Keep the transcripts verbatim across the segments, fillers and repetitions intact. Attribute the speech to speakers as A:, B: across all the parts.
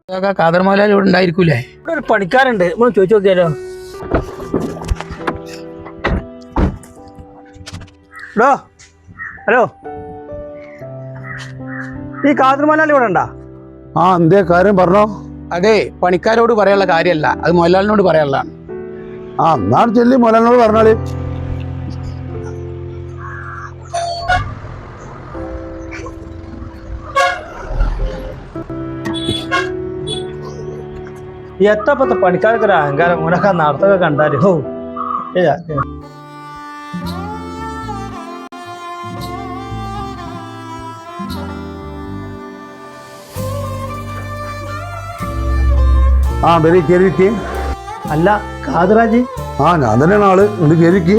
A: ഖാദർ മൗലാലി ഇവിടെ ഉണ്ടായിരിക്കൂലേ?
B: ഇവിടെ ഒരു പണിക്കാരുണ്ട്, നമ്മൾ ചോദിച്ചു നോക്കിയാലോ. ഹലോ ഹലോ ഈ ഖാദർ മൗലാലി ഇവിടെ ഉണ്ടാ?
C: ആ എന്തേ കാര്യം പറഞ്ഞോ?
A: അതെ, പണിക്കാരോട് പറയാനുള്ള കാര്യമല്ല, അത് മൊലാലിനോട് പറയാനുള്ളതാണ്.
C: ആ എന്നാണ് ചെല്ലി മൊലാലിനോട് പറഞ്ഞാല്.
B: എത്തപ്പത്തെ പണിക്കാർക്ക് ഒരു അഹങ്കാരം, ഓനൊക്കെ നടത്തൊക്കെ കണ്ടാല് ഹോ.
C: ആ വരി കയറിക്ക്.
B: അല്ല ഖാദറാജി?
C: ആ ഞാൻ തന്നെയാണ് ആള്. ഇത് കയറിക്ക്.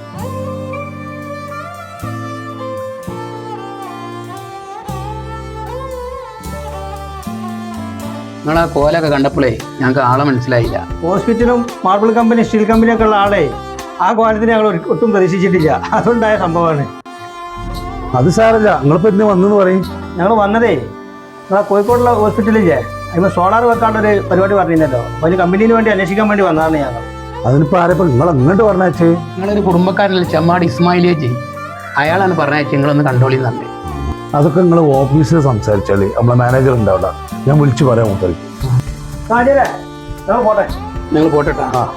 A: നിങ്ങൾ ആ കോലൊക്കെ കണ്ടപ്പോഴേ ഞങ്ങൾക്ക് ആളെ മനസ്സിലായില്ല.
B: ഹോസ്പിറ്റലും മാർബിൾ കമ്പനി സ്റ്റീൽ കമ്പനിയൊക്കെ ഉള്ള ആളെ ആ കോലത്തിന് ഞങ്ങൾ ഒട്ടും പ്രതീക്ഷിച്ചിട്ടില്ല. അതുണ്ടായ സംഭവമാണ്.
C: അത് സാരല്ല, നിങ്ങളിപ്പോ എന്തിനു വന്നെന്ന് പറയും?
B: ഞങ്ങൾ വന്നതേ നിങ്ങളെ കോഴിക്കോടുള്ള ഹോസ്പിറ്റലില്ലേ, അതിന് സോളാർ വെക്കാണ്ടൊരു പരിപാടി പറഞ്ഞിരുന്നല്ലോ. അപ്പോൾ അതിന് കമ്പനീന് വേണ്ടി അന്വേഷിക്കാൻ വേണ്ടി വന്നതാണ് ഞങ്ങൾ.
C: അതിനിപ്പോ ആരെപ്പോ നിങ്ങൾ ഇങ്ങോട്ട് പറഞ്ഞേ?
A: നിങ്ങളൊരു കുടുംബക്കാരനല്ലേ, ചെമ്മാട് ഇസ്മായിലേജി, അയാളാണ് പറഞ്ഞയച്ച് നിങ്ങളൊന്ന് കണ്ടോളി തന്നെ.
C: അതൊക്കെ നിങ്ങൾ ഓഫീസിൽ സംസാരിച്ചാല് നമ്മളെ മാനേജർ ഉണ്ടാവില്ല, ഞാൻ വിളിച്ചു പറയാം മൂപ്പർക്ക്.
B: പോട്ടെ,
A: നിങ്ങൾ പോട്ടെട്ടാ.
C: ആ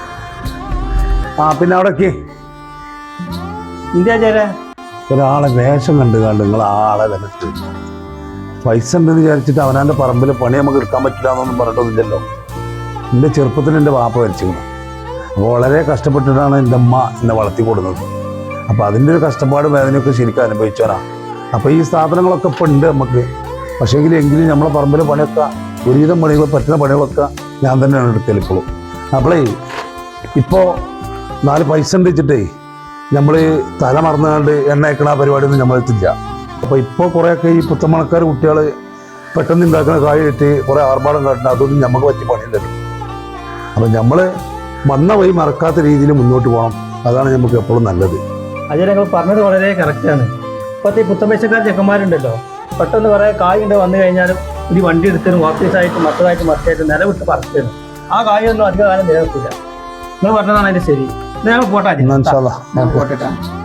C: ആ പിന്നെ അവിടേക്ക്
B: ഇന്ത്യ ചേരാ
C: ഒരാളെ വേഷം കണ്ടു കണ്ട് നിങ്ങൾ ആളെ വിലട്ട് പൈസ ഉണ്ടെന്ന് വിചാരിച്ചിട്ട് അവനാൻ്റെ പറമ്പിൽ പണി നമുക്ക് എടുക്കാൻ പറ്റില്ല എന്നൊന്നും പറഞ്ഞിട്ടൊന്നുമില്ലല്ലോ. എൻ്റെ ചെറുപ്പത്തിൽ എൻ്റെ വാപ്പ വരച്ചിരുന്നു. അപ്പോൾ വളരെ കഷ്ടപ്പെട്ടിട്ടാണ് എൻ്റെ അമ്മ എന്നെ വളർത്തി കൊടുക്കുന്നത്. അപ്പോൾ അതിൻ്റെ ഒരു കഷ്ടപ്പാട് വേദനയൊക്കെ ശരിക്കും അനുഭവിച്ചോനാ. അപ്പോൾ ഈ സ്ഥാപനങ്ങളൊക്കെ ഇപ്പം ഉണ്ട് നമുക്ക്. പക്ഷേങ്കിൽ എങ്കിലും നമ്മളെ പറമ്പിൽ പണിയൊക്കെ ഒരുവിധം പണികൾ പറ്റുന്ന പണികളൊക്കെ ഞാൻ തന്നെയാണ് എടുക്കൽ ഇപ്പോഴും. അപ്പോളേ ഇപ്പോൾ നാല് പൈസ ഉണ്ട് വെച്ചിട്ടേ നമ്മൾ തല മറന്നുകൊണ്ട് എണ്ണ അയക്കണ പരിപാടിയൊന്നും നമ്മളെത്തില്ല. അപ്പോൾ ഇപ്പോൾ കുറേയൊക്കെ ഈ പുത്തമണക്കാർ കുട്ടികൾ പെട്ടെന്ന് ഉണ്ടാക്കുന്ന കാര്യമായിട്ട് കുറേ ആർഭാടം കാട്ടുന്ന അതൊന്നും നമുക്ക് പറ്റി പണിയില്ലല്ലോ. അപ്പം നമ്മൾ വന്ന വഴി മറക്കാത്ത രീതിയിൽ മുന്നോട്ട് പോകണം. അതാണ് നമുക്ക് എപ്പോഴും നല്ലത്.
B: അജയ്, ഞങ്ങൾ പറഞ്ഞത് വളരെ കറക്റ്റാണ്. ഇപ്പോഴത്തെ ഈ പുത്തമ്പേശക്കാർ ചെക്കന്മാരുണ്ടല്ലോ, പെട്ടെന്ന് കുറേ കായുണ്ട് വന്നു കഴിഞ്ഞാലും ഒരു വണ്ടി എടുത്തരും ഓഫീസായിട്ട് മറ്റതായിട്ട് മറ്റായിട്ട് നിലവിട്ട് പറക്കുന്നു. ആ കായൊന്നും അധിക കാലം നിലനിൽക്കില്ല. നിങ്ങൾ പറഞ്ഞതാണ് അതിൻ്റെ ശരി. ഞങ്ങൾ പോട്ടെ.
A: പോട്ടെട്ടാ.